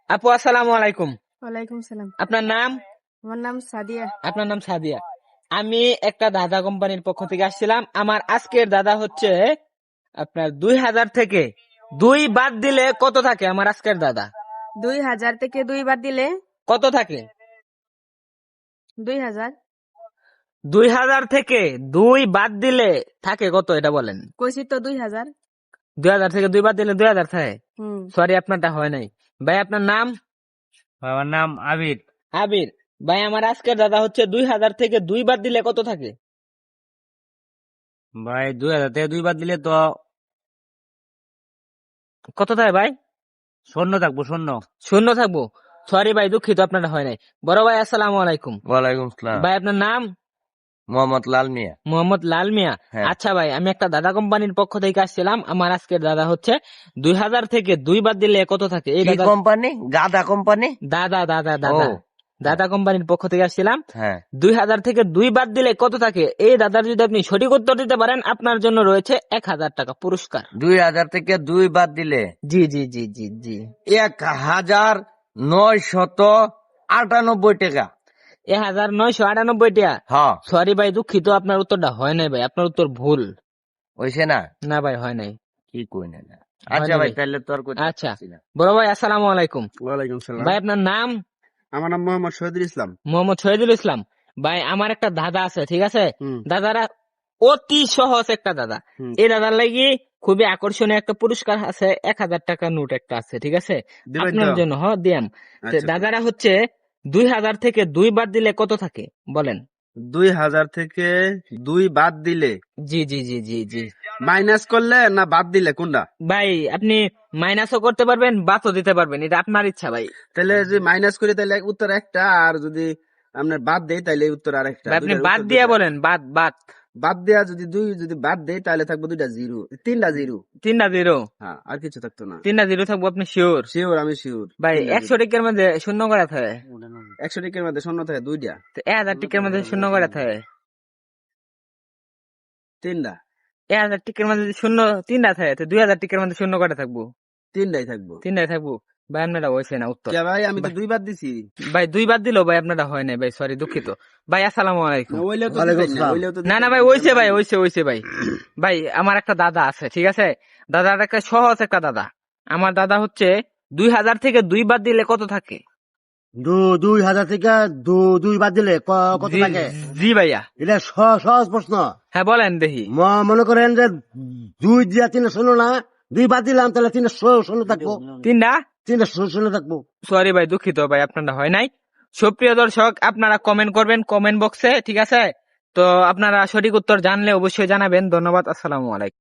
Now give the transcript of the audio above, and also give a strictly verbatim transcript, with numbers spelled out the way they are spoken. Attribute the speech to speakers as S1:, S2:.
S1: আপু আসসালামু আলাইকুম।
S2: ওয়ালাইকুম সালাম।
S1: আপনার নাম?
S2: আমার নাম সাদিয়া।
S1: আপনার নাম সাদিয়া। আমি একটা দাদা কোম্পানির পক্ষ থেকে আসছিলাম। আমার আজকের দাদা হচ্ছে আপনার দুই হাজার থেকে দুই বাদ দিলে কত থাকে? আমার আজকের দাদা
S2: দুই হাজার থেকে দুই বাদ দিলে
S1: কত থাকে?
S2: দুই হাজার।
S1: দুই হাজার থেকে দুই বাদ দিলে থাকে কত, এটা বলেন।
S2: কইছি তো দুই হাজার।
S1: দুই হাজার থেকে দুই বাদ দিলে দুই হাজার থাকে।
S2: হুম।
S1: সরি, আপনারটা হয় নাই। ভাই আপনার নাম?
S3: আমার নাম আবির।
S1: আবির। ভাই আমার আজকের দাদা হচ্ছে দুই হাজার থেকে দুই বাদ দিলে কত থাকে?
S3: ভাই দুই হাজার থেকে দুই বাদ দিলে তো
S1: কত থাকে ভাই?
S3: শূন্য থাকবো, শূন্য।
S1: শূন্য থাকবো। সরি ভাই, দুঃখিত, আপনারটা হয় নাই। বড় ভাই আসসালামু আলাইকুম।
S3: ওয়ালাইকুম সালাম।
S1: ভাই আপনার নাম?
S3: মোহাম্মদ লাল মিয়া।
S1: মোহাম্মদ লাল মিয়া।
S3: হ্যাঁ।
S1: আচ্ছা ভাই, আমি একটা দাদা কোম্পানির পক্ষ থেকে আসছিলাম। আমার আজকের দাদা হচ্ছে দুই হাজার থেকে দুই বাদ দিলে কত থাকে? এই
S3: কি
S1: দাদা
S3: কোম্পানি? গাদা কোম্পানি।
S1: দাদা দাদা দাদা
S3: ও।
S1: দাদা কোম্পানির পক্ষ থেকে আসছিলাম।
S3: হ্যাঁ।
S1: দুই হাজার থেকে দুই বাদ দিলে কত থাকে? এই দাদার যদি আপনি সঠিক উত্তর দিতে পারেন, আপনার জন্য রয়েছে এক হাজার টাকা পুরস্কার।
S3: দুই হাজার থেকে দুই বাদ দিলে
S1: জি জি জি জি জি
S3: এক হাজার নয় শত আটানব্বই টাকা।
S1: এক হাজার নয়শো আটানব্বই টাকা।
S3: হ্যাঁ।
S1: সরি ভাই, দুঃখিত, আপনার উত্তরটা হয় নাই ভাই, আপনার উত্তর ভুল।
S3: হইছে না?
S1: না ভাই, হয় নাই।
S3: কি কই না?
S1: হয়
S3: আচ্ছা
S1: নাই
S3: ভাই,
S1: ভাই।
S3: তাহলে তোর কই।
S1: আচ্ছা বড় ভাই আসসালামু আলাইকুম।
S4: ওয়ালাইকুম সালাম।
S1: ভাই আপনার নাম?
S4: আমার নাম মোহাম্মদ শহীদুল ইসলাম।
S1: মোহাম্মদ শহীদুল ইসলাম। ভাই আমার একটা দাদা আছে, ঠিক আছে?
S4: হুম।
S1: দাদারা অতি সহজ একটা দাদা।
S4: হুম।
S1: এই দাদার লাগি খুবই আকর্ষণীয় একটা পুরস্কার আছে, এক হাজার টাকা নোট একটা আছে, ঠিক আছে?
S4: দিবেন
S1: আপনার
S4: তো?
S1: জন্য হ দিয়াম। তো
S4: আচ্ছা,
S1: দাদারা হচ্ছে দুই হাজার থেকে দুই বাদ দিলে কত থাকে বলেন?
S4: দুই হাজার থেকে দুই বাদ দিলে
S1: জি জি জি জি জি
S4: মাইনাস করলে না বাদ দিলে কোনটা?
S1: ভাই আপনি মাইনাসও করতে পারবেন, বাদও দিতে পারবেন, এটা আপনার ইচ্ছা ভাই।
S4: তাহলে যদি মাইনাস করি তাহলে উত্তর একটা, আর যদি আপনার বাদ দেই তাহলে উত্তর আরেকটা।
S1: ভাই, আপনি
S4: দুইটার
S1: বাদ
S4: উত্তর
S1: দিয়া
S4: দুইটা।
S1: বলেন, বাদ বাদ।
S4: বাদ দেয়া যদি দুই যদি বাদ দেই তাহলে থাকবো দুইটা জিরো, তিনটা জিরো।
S1: তিনটা জিরো।
S4: হ্যাঁ, আর কিছু থাকতো না।
S1: তিনটা জিরো থাকবো, আপনি শিওর?
S4: শিওর, আমি শিওর।
S1: ভাই একশো টিকের মধ্যে শূন্য করে থাকে,
S4: একশো টিকের মধ্যে শূন্য থাকে দুইটা,
S1: তো এক হাজার টিকের মধ্যে শূন্য করে থাকে।
S4: তিনটা,
S1: এক হাজার টিকের মধ্যে যদি শূন্য তিনটা থাকে, তো দুই হাজার টিকের মধ্যে শূন্য করে থাকবো,
S4: তিনটাই থাকবো।
S1: তিনটাই থাকবো। ভাই আপনারা হয়েছে না উত্তর।
S4: কে ভাই, আমি তো দুই বাদ দিছি।
S1: ভাই দুই বাদ দিলো ভাই, আপনারা হয় নাই ভাই, সরি দুঃখিত। ভাই আসসালামু আলাইকুম।
S4: ওইলেও তো
S3: ওয়ালাইকুম
S4: দিতেন না,
S3: সালাম।
S4: ওইলেও তো
S1: না
S4: দিতেন
S1: না ভাই, ওইছে ভাই, ওইছে ওইছে ভাই। ভাই আমার একটা দাদা আছে, ঠিক আছে? দাদার একটা সহজ একটা দাদা। আমার দাদা হচ্ছে দুই হাজার থেকে দুই বাদ দিলে কত থাকে?
S5: দু- দুই হাজার থেকে দু- দুই বাদ দিলে ক- কত
S1: জি-
S5: থাকে?
S1: জি ভাইয়া।
S5: এটা স- সহজ প্রশ্ন।
S1: হ্যাঁ বলেন দেখি।
S5: ম- মনে করেন যে দুই দিয়া তিন শূন্য না, দুই বাদ দিলাম তাহলে তিন শূন্য থাকবো,
S1: তিনটা।
S5: তিন শূন্য থাকবো।
S1: সরি ভাই, দুঃখিত ভাই, আপনারা হয় নাই। সুপ্রিয় দর্শক, আপনারা কমেন্ট করবেন কমেন্ট বক্সে, ঠিক আছে? তো আপনারা সঠিক উত্তর জানলে অবশ্যই জানাবেন। ধন্যবাদ, আসসালামু আলাইকুম।